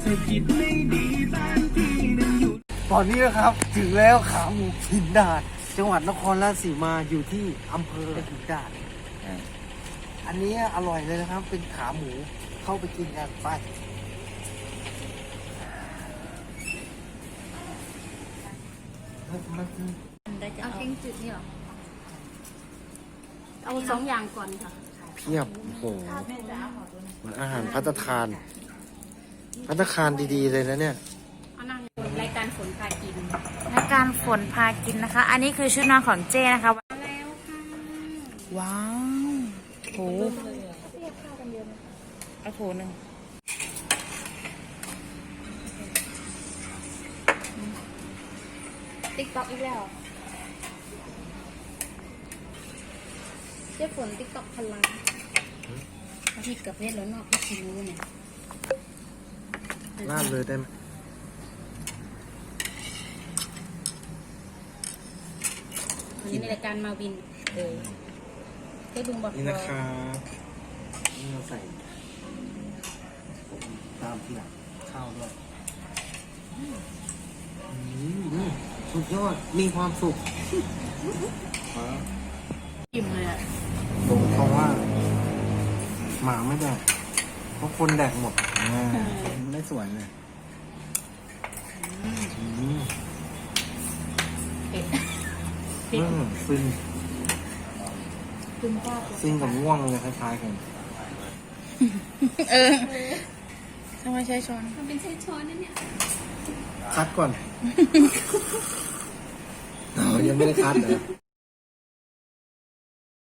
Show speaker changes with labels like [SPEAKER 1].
[SPEAKER 1] ตอนนี้นะครับถึงแล้วขาหมูหินดาดจังหวัดนครราชสีมาอยู่ที่อำเภอหินดาดอันนี้อร่อยเลยนะครับเป็นขาหมูเข้าไปกินกันไป
[SPEAKER 2] เอาแกงจืดนี่หรอเอา2 อย่างก่อนค่ะ
[SPEAKER 1] เพียบโอ้โหมันอาหารภัตตาคารภัตตาคารดีๆเลยนะเนี่ย
[SPEAKER 2] รายการฝนพากิน
[SPEAKER 3] รายการฝนพากินนะคะ อันนี้คือชุดนอนของเจ้นะคะ
[SPEAKER 2] แล้วค่ะ
[SPEAKER 3] ว้าวโหเอาโถหนึ่ง
[SPEAKER 2] ติ๊กต็อกอีกแล้วเจ้ฝนติ๊กต็อกพลังพี่กับเพชรแล้วเนาะพี่คิรู้เนี่ย
[SPEAKER 1] ลาดเลยได้ไหม
[SPEAKER 2] วันนี้ในรายการมาวินได้บึงบอก
[SPEAKER 1] นี่นะครับนี่เราใส่ตามที่หลังข้าวด้วยสุดยอดมีความสุข
[SPEAKER 2] อิ่มเลยอ่ะ
[SPEAKER 1] ผมเพราะว่าหมาไม่แดกเพราะคนแดกหมดไม่สวยเลยฟินฟินกับง่วงเลยคล้ายๆกัน
[SPEAKER 3] ทำไมใช้ช้อน
[SPEAKER 2] มันเป็นใช้ช้อนนั่นเนี่ย
[SPEAKER 1] คัดก่อนยังไม่ได้คัดเลย